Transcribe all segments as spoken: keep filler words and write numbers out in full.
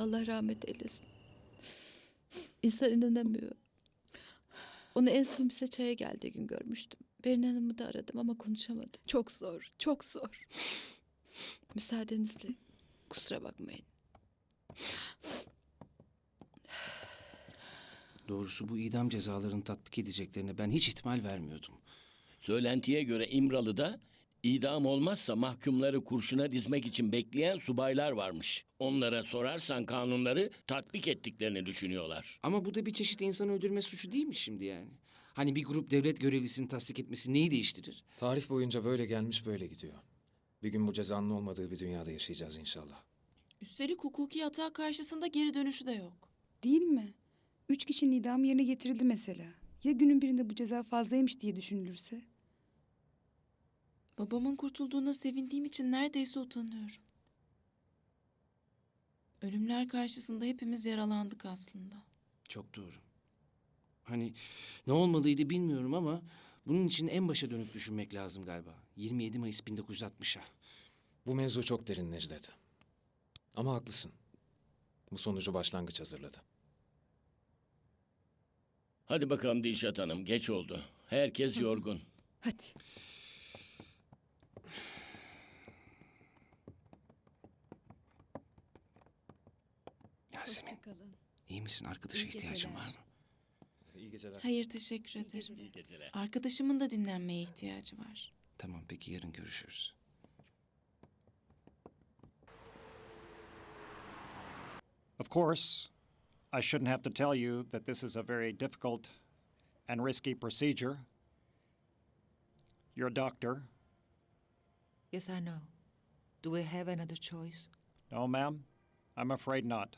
Allah rahmet eylesin. İnsan inanamıyor. Onu en son bize çaya geldiği gün görmüştüm. Berin Hanım'ı da aradım ama konuşamadım. Çok zor, çok zor. Müsaadenizle. Kusura bakmayın. Doğrusu bu idam cezalarını tatbik edeceklerine ben hiç ihtimal vermiyordum. Söylentiye göre İmralı'da idam olmazsa mahkumları kurşuna dizmek için bekleyen subaylar varmış. Onlara sorarsan kanunları tatbik ettiklerini düşünüyorlar. Ama bu da bir çeşit insanı öldürme suçu değil mi şimdi yani? Hani bir grup devlet görevlisini tasdik etmesi neyi değiştirir? Tarih boyunca böyle gelmiş böyle gidiyor. Bir gün bu cezanın olmadığı bir dünyada yaşayacağız inşallah. Üstelik hukuki hata karşısında geri dönüşü de yok. Değil mi? Üç kişinin idamı yerine getirildi mesela. Ya günün birinde bu ceza fazlaymış diye düşünülürse? Babamın kurtulduğuna sevindiğim için neredeyse utanıyorum. Ölümler karşısında hepimiz yaralandık aslında. Çok doğru. Hani ne olmalıydı bilmiyorum ama bunun için en başa dönüp düşünmek lazım galiba. yirmi yedi Mayıs bin dokuz yüz altmışa. Bu mevzu çok derin Necdet. Ama haklısın. Bu sonucu başlangıç hazırladı. Hadi bakalım Dilşat Hanım, geç oldu. Herkes yorgun. Hadi. Yasemin, iyi misin? Arkadaşa ihtiyacın var mı? İyi geceler. Hayır, teşekkür ederim. İyi geceler. Arkadaşımın da dinlenmeye ihtiyacı var. Tamam, peki yarın görüşürüz. Of course, I shouldn't have to tell you that this is a very difficult and risky procedure. You're a doctor. Yes, I know. Do we have another choice? No, ma'am, I'm afraid not.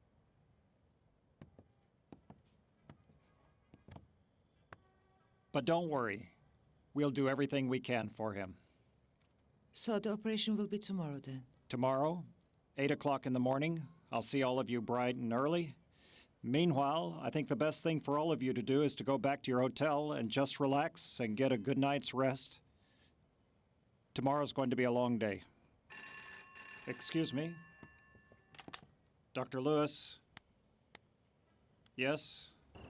But don't worry. We'll do everything we can for him. So the operation will be tomorrow then? Tomorrow, eight o'clock in the morning, I'll see all of you bright and early. Meanwhile, I think the best thing for all of you to do is to go back to your hotel and just relax and get a good night's rest. Tomorrow's going to be a long day. Excuse me? Doctor Lewis? Yes?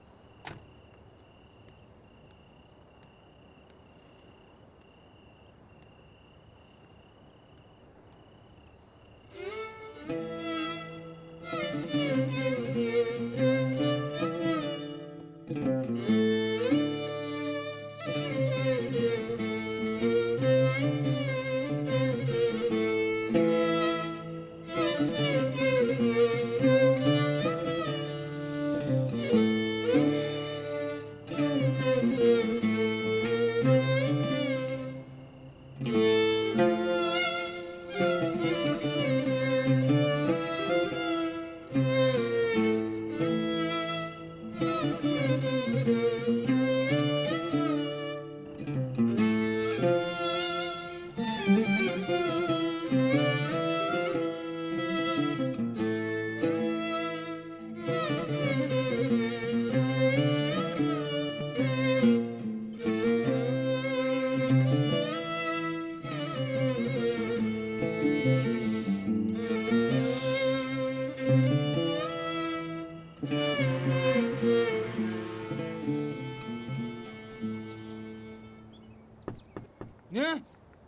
Ne?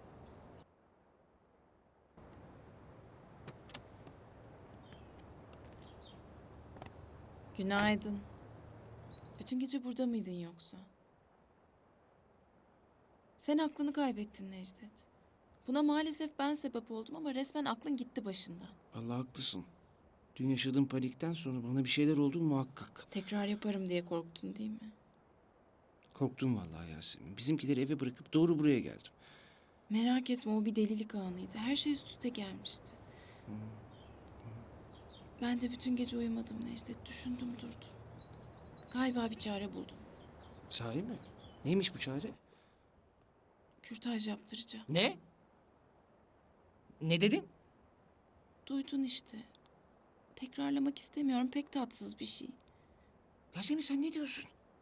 Günaydın. Bütün gece burada mıydın yoksa? Sen aklını kaybettin Necdet. Buna maalesef ben sebep oldum ama resmen aklın gitti başından. Vallahi haklısın. Dün yaşadığım panikten sonra bana bir şeyler oldu muhakkak. Tekrar yaparım diye korktun değil mi? Korktum vallahi Yasemin. Bizimkileri eve bırakıp doğru buraya geldim. Merak etme, o bir delilik anıydı. Her şey üst üste gelmişti. Ben de bütün gece uyumadım Necdet. Düşündüm durdum. Galiba bir çare buldum. Sahi mi? Neymiş bu çare? Kürtaj yaptıracağım. Ne? Ne dedin? Duydun işte. Tekrarlamak istemiyorum. Pek tatsız bir şey. Yasemin sen ne diyorsun?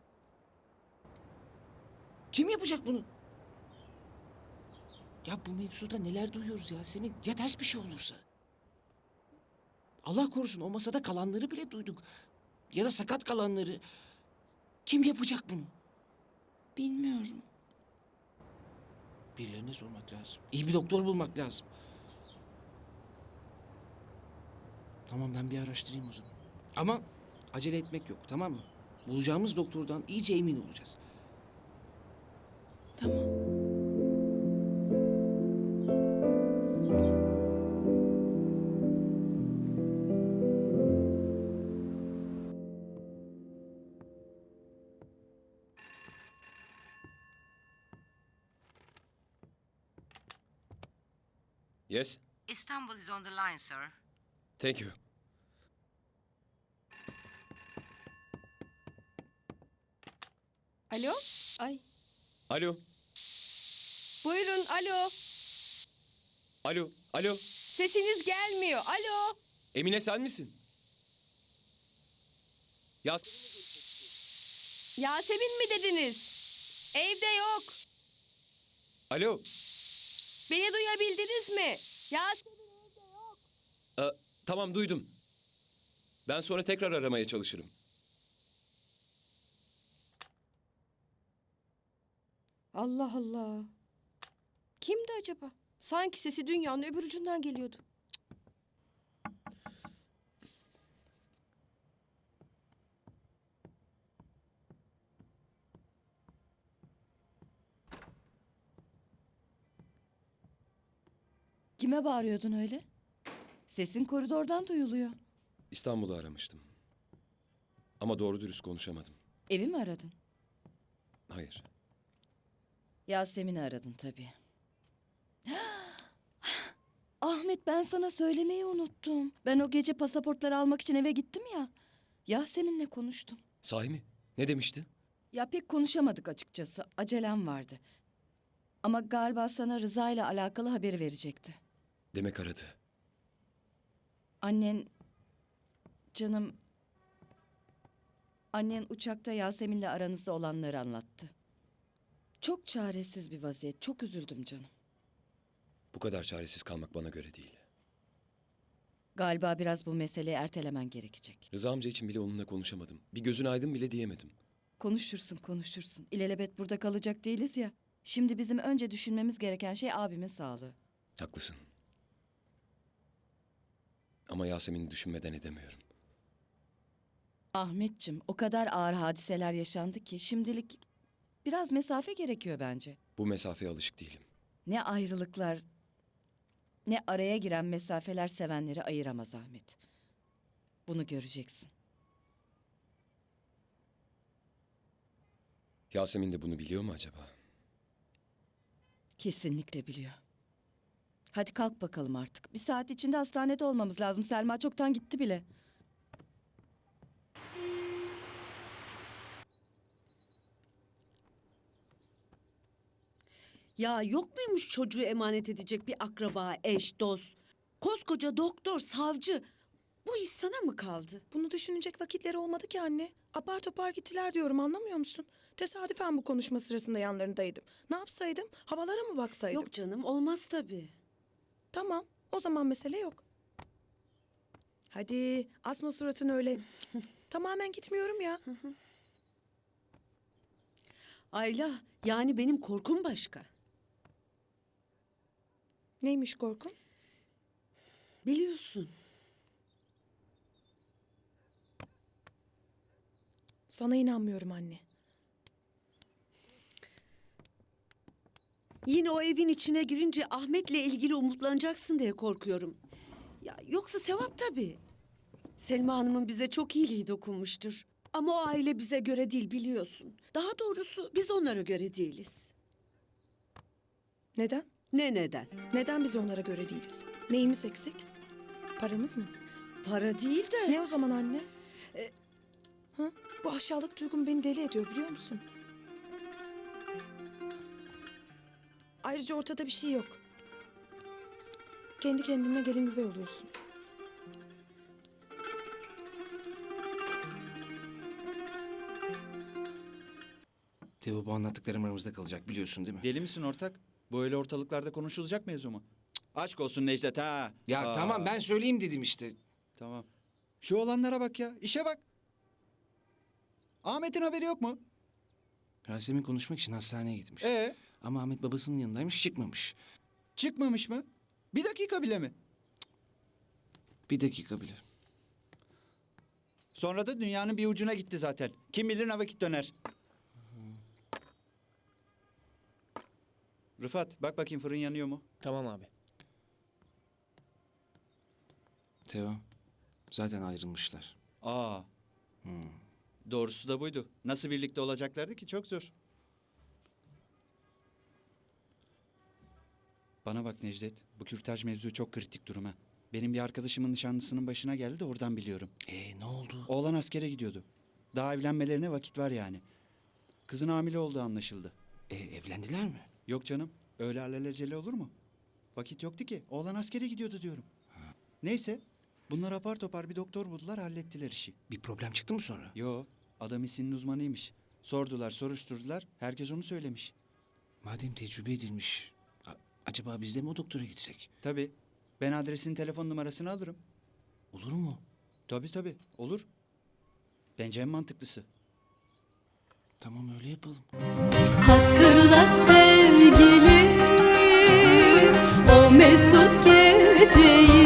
Kim yapacak bunu? Ya bu mevzuda neler duyuyoruz Yasemin? Ya ters bir şey olursa? Allah korusun o masada kalanları bile duyduk. Ya da sakat kalanları. Kim yapacak bunu? Bilmiyorum. Birilerine sormak lazım. İyi bir doktor bulmak lazım. Tamam ben bir araştırayım o zaman. Ama acele etmek yok, tamam mı? Bulacağımız doktordan iyice emin olacağız. Tamam. Yes, Istanbul is on the line, sir. thank you. Alo? Ay. Alo, Buyurun, alo. alo, alo. Sesiniz gelmiyor. Alo. Emine sen misin? Ya Yasemin mi dediniz? Evde yok. alo. Beni duyabildiniz mi? Yasemin evde yok. Ee, tamam duydum. Ben sonra tekrar aramaya çalışırım. Allah Allah. Kimdi acaba? Sanki sesi dünyanın öbür ucundan geliyordu. Kime bağırıyordun öyle? Sesin koridordan duyuluyor. İstanbul'u aramıştım. Ama doğru dürüst konuşamadım. Evi mi aradın? Hayır. Yasemin'i aradın tabii. Ahmet ben sana söylemeyi unuttum. Ben o gece pasaportları almak için eve gittim ya. Yasemin'le konuştum. Sahi mi? Ne demişti? Ya pek konuşamadık açıkçası. Acelem vardı. Ama galiba sana Rıza ile alakalı haberi verecekti. Demek aradı. Annen... Canım... Annen uçakta Yasemin'le aranızda olanları anlattı. Çok çaresiz bir vaziyet. Çok üzüldüm canım. Bu kadar çaresiz kalmak bana göre değil. Galiba biraz bu meseleyi ertelemen gerekecek. Rıza amca için bile onunla konuşamadım. Bir gözün aydın bile diyemedim. Konuşursun, konuşursun. İlelebet burada kalacak değiliz ya. Şimdi bizim önce düşünmemiz gereken şey abimin sağlığı. Haklısın. Ama Yasemin'i düşünmeden edemiyorum. Ahmetciğim, o kadar ağır hadiseler yaşandı ki şimdilik biraz mesafe gerekiyor bence. Bu mesafeye alışık değilim. Ne ayrılıklar, ne araya giren mesafeler sevenleri ayıramaz Ahmet. Bunu göreceksin. Yasemin de bunu biliyor mu acaba? Kesinlikle biliyor. Hadi kalk bakalım artık. Bir saat içinde hastanede olmamız lazım. Selma çoktan gitti bile. Ya yok muymuş çocuğu emanet edecek bir akraba, eş, dost? Koskoca doktor, savcı. Bu iş sana mı kaldı? Bunu düşünecek vakitleri olmadı ki anne. Apar topar gittiler diyorum, anlamıyor musun? Tesadüfen bu konuşma sırasında yanlarındaydım. Ne yapsaydım? Havalara mı baksaydım? Yok canım, olmaz tabii. Tamam, o zaman mesele yok. Hadi asma suratını öyle. Tamamen gitmiyorum ya. Ayla, yani benim korkum başka. Neymiş korkun? Biliyorsun. Sana inanmıyorum anne. Yine o evin içine girince Ahmet'le ilgili umutlanacaksın diye korkuyorum. Ya yoksa sevap tabii. Selma Hanım'ın bize çok iyiliği dokunmuştur. Ama o aile bize göre değil biliyorsun. Daha doğrusu biz onlara göre değiliz. Neden? Ne neden? Neden biz onlara göre değiliz? Neyimiz eksik? Paramız mı? Para değil de... Ne o zaman anne? Ee, ha? Bu aşağılık duygum beni deli ediyor, biliyor musun? Ayrıca ortada bir şey yok. Kendi kendine gelin güvey oluyorsun. Teo bu anlattıklarım aramızda kalacak biliyorsun değil mi? Deli misin ortak? Bu öyle ortalıklarda konuşulacak mevzu mu? Cık, aşk olsun Necdet ha. Ya Aa. tamam ben söyleyeyim dedim işte. Tamam. Şu olanlara bak ya. İşe bak. Ahmet'in haberi yok mu? Yasemin konuşmak için hastaneye gitmiş. Ee, Ama Ahmet babasının yanındaymış, çıkmamış. çıkmamış mı? Bir dakika bile mi? Bir dakika bile. Sonra da dünyanın bir ucuna gitti zaten. Kim bilir ne vakit döner. Rıfat bak bakayım fırın yanıyor mu? Tamam abi. Teo, zaten ayrılmışlar. Aa. Doğrusu da buydu. Nasıl birlikte olacaklardı ki çok zor. Bana bak Necdet, bu kürtaj mevzu çok kritik durum ha. Benim bir arkadaşımın nişanlısının başına geldi de oradan biliyorum. Ee ne oldu? Oğlan askere gidiyordu. Daha evlenmelerine vakit var yani. Kızın hamile olduğu anlaşıldı. Ee, evlendiler mi? Yok canım, öyle alelacele olur mu? Vakit yoktu ki, oğlan askere gidiyordu diyorum. Neyse, bunlar apar topar bir doktor buldular, hallettiler işi. Bir problem çıktı mı sonra? Yo, adam işinin uzmanıymış. Sordular, soruşturdular, herkes onu söylemiş. Madem tecrübe edilmiş, a- acaba biz de mi o doktora gitsek? Tabii, ben adresin telefon numarasını alırım. Olur mu? Tabii tabii, olur. Bence en mantıklısı. Tamam öyle yapalım. Hatırla sevgilim o mesut geceyi.